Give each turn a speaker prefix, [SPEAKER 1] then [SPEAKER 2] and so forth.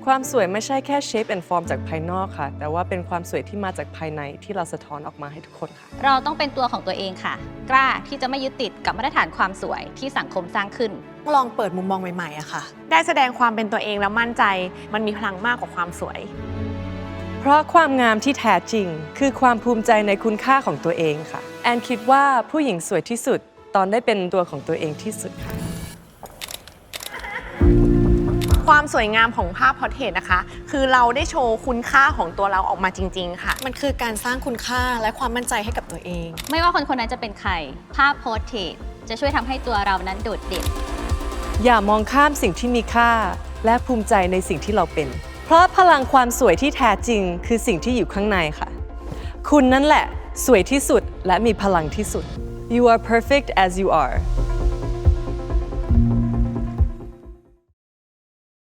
[SPEAKER 1] ความสวยไม่ใช่แค่ shape and form จากภายนอกค่ะแต่ว่าเป็นความสวยที่มาจากภายในที่เราสะท้อนออกมาให้ทุกคนค่ะ
[SPEAKER 2] เราต้องเป็นตัวของตัวเองค่ะกล้าที่จะไม่ยึดติดกับมาตรฐานความสวยที่สังคมสร้างขึ้น
[SPEAKER 3] ลองเปิดมุมมองใหม่ๆอะค่ะ
[SPEAKER 4] ได้แสดงความเป็นตัวเองแล้วมั่นใจมันมีพลังมากกว่าความสวย
[SPEAKER 1] เพราะความงามที่แท้จริงคือความภูมิใจในคุณค่าของตัวเองค่ะแอนคิดว่าผู้หญิงสวยที่สุดตอนได้เป็นตัวของตัวเองที่สุดค่ะ
[SPEAKER 4] ความสวยงามของภาพพอร์เทรตนะคะคือเราได้โชว์คุณค่าของตัวเราออกมาจริงๆค่ะ
[SPEAKER 3] มันคือการสร้างคุณค่าและความมั่นใจให้กับตัวเอง
[SPEAKER 2] ไม่ว่าคนคนนั้นจะเป็นใครภาพโพสเทรตจะช่วยทำให้ตัวเรานั้นโดดเด่น
[SPEAKER 1] อย่ามองข้ามสิ่งที่มีค่าและภูมิใจในสิ่งที่เราเป็นเพราะพลังความสวยที่แท้จริงคือสิ่งที่อยู่ข้างในค่ะคุณนั่นแหละสวยที่สุดและมีพลังที่สุด You are perfect as you are